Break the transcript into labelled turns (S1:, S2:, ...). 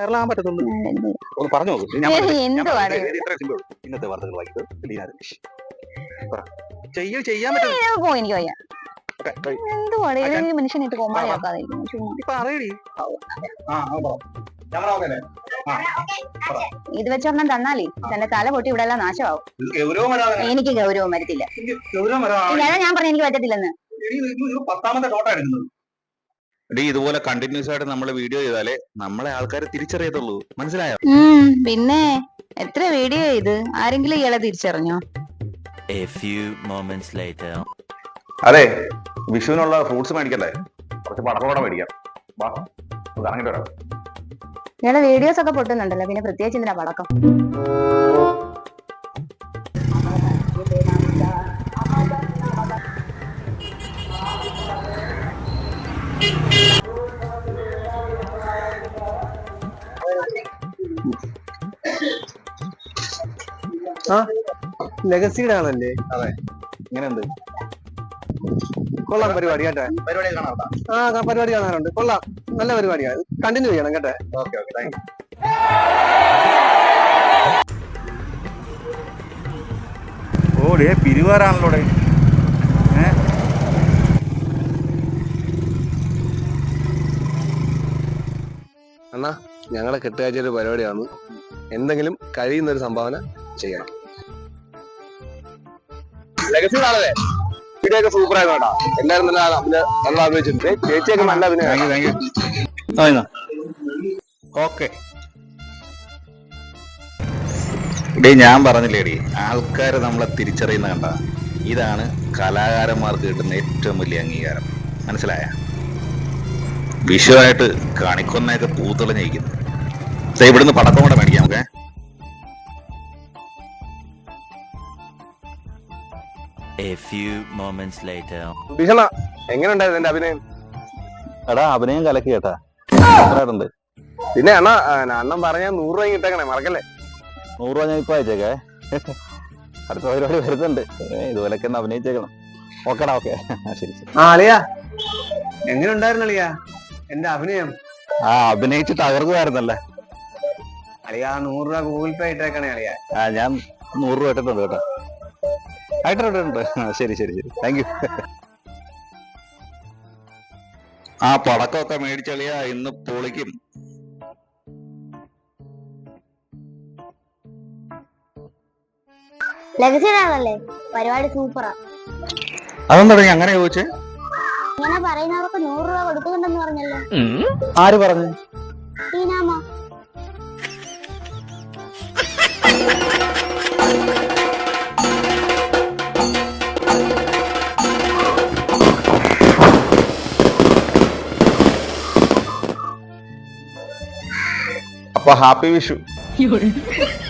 S1: വൈറലാകാൻ പറ്റത്തുള്ളൂ. ഒന്ന് പറഞ്ഞു നോക്ക്. ഇന്നത്തെ വാർത്തകൾ വായിക്കുന്നത് ലീന രമേശ്. ചെയ്യാൻ പറ്റും.
S2: എനിക്ക് വയ്യ. എന്തുവാണ് മനുഷ്യനായിട്ട് കോമാളിയാക്കാതെ ഇത് വെച്ചൊരെണ്ണം തന്നാലേ തന്റെ തല പൊട്ടി ഇവിടെ എല്ലാം നാശമാവും. എനിക്ക് ഗൗരവം വരത്തില്ല. ഞാൻ പറഞ്ഞു എനിക്ക് പറ്റത്തില്ലെന്ന്.
S1: ഇതുപോലെ കണ്ടിന്യൂസ് ആയിട്ട് നമ്മള് വീഡിയോ ചെയ്താലേ നമ്മളെ ആൾക്കാരെ തിരിച്ചറിയത്തുള്ളൂ. മനസ്സിലായോ?
S2: പിന്നെ എത്ര വീഡിയോ ചെയ്ത് ആരെങ്കിലും ഇയാളെ തിരിച്ചറിഞ്ഞോ?
S1: അതെ, വിഷുവിനുള്ള ഫ്രൂട്ട്സ് മേടിക്കണ്ടേ? കുറച്ച് പടക്കം കൂടെ മേടിക്കാം. ഇറങ്ങിട്ട് വരാം.
S2: ഇയാളെ വീഡിയോസ് ഒക്കെ പൊട്ടുന്നുണ്ടല്ലോ, പിന്നെ പ്രത്യേകിച്ച് എന്തിനാ പടക്കം?
S3: ലെഗസിയുടെ ആണല്ലേ?
S1: അതെ. ഇങ്ങനെയുണ്ട്.
S3: കൊള്ളാം പരിപാടി കേട്ടെ. പരിപാടി കാണാറുണ്ട്. കൊള്ളാം, നല്ല പരിപാടിയാണ്. കണ്ടിന്യൂ ചെയ്യണം കേട്ടെ.
S1: Okay okay, thank you.
S4: ഓടേ പിരിവാറാണല്ലോടെ.
S3: അണ്ണാ, ഞങ്ങളെ കെട്ടുകാഴ്ചയുടെ പരിപാടിയാണ്. എന്തെങ്കിലും കഴിയുന്ന ഒരു സംഭാവന ചെയ്യണം. ലെഗസികളാണല്ലേ? വീഡിയോ ഒക്കെ സൂപ്പർ ആയിട്ടാ. എല്ലാരും നല്ല അഭിനയിച്ചിട്ടുണ്ട്. ചേച്ചിയൊക്കെ നല്ല അഭിനയം.
S1: ഓക്കെ. ഞാൻ പറഞ്ഞില്ലേടി, ആൾക്കാര് നമ്മളെ തിരിച്ചറിയുന്ന കണ്ട. ഇതാണ് കലാകാരന്മാർക്ക് കിട്ടുന്ന ഏറ്റവും വലിയ അംഗീകാരം. മനസ്സിലായ? വിഷുവായിട്ട് കണിക്കൊന്നയൊക്കെ പൂത്തുളഞ്ഞിരിക്കുന്നു. ഇവിടുന്ന് പടക്കം കൂടെ മേടിക്കാം. ഓക്കെ.
S3: ഭീഷണ, എങ്ങനെ ഉണ്ടായിരുന്നു എന്റെ അഭിനയം?
S1: എടാ, അഭിനയം കലക്കി കേട്ടാ.
S3: പിന്നെ അണ്ണൻ പറഞ്ഞ 100 രൂപ കിട്ടേക്കണേ, മറക്കല്ലേ?
S1: 100 രൂപ ഞാൻ ഇപ്പൊ അയച്ചേക്കേ. അടുത്ത പരിപാടി വരുന്നുണ്ട്. ഇതുപോലൊക്കെ ഒന്ന് അഭിനയിച്ചേക്കണം. ഓക്കെടാ. ഓക്കെ, ശരി ശരി.
S3: അളിയാ, എങ്ങനെ ഉണ്ടായിരുന്നു അളിയാ എന്റെ അഭിനയം?
S1: അഭിനയിച്ച് തകർക്കുമായിരുന്നല്ലേ
S3: അളിയാ. 100 രൂപ ഗൂഗിൾ പേ ഇട്ടേക്കണേ അളിയാ.
S1: ഞാൻ 100 രൂപ ഇട്ടിട്ടുണ്ട് കേട്ടോ. ആയിട്ടുണ്ട്. ശരി ശരി ശരി, താങ്ക് യു. പടക്കമൊക്കെ മേടിച്ചളിയാ, ഇന്ന് പൊളിക്കും.
S5: ലഗസിയാണല്ലേ? പരിപാടി സൂപ്പറാ.
S1: അതെന്താ അങ്ങനെ ചോദിച്ചേ?
S5: ഇങ്ങനെ പറയുന്നവർക്ക് 100 രൂപ കൊടുക്കുന്നുണ്ടെന്ന് പറഞ്ഞല്ലോ.
S1: ആര് പറഞ്ഞു?
S5: ടീനാമ്മ.
S1: അപ്പൊ ഹാപ്പി വിഷു.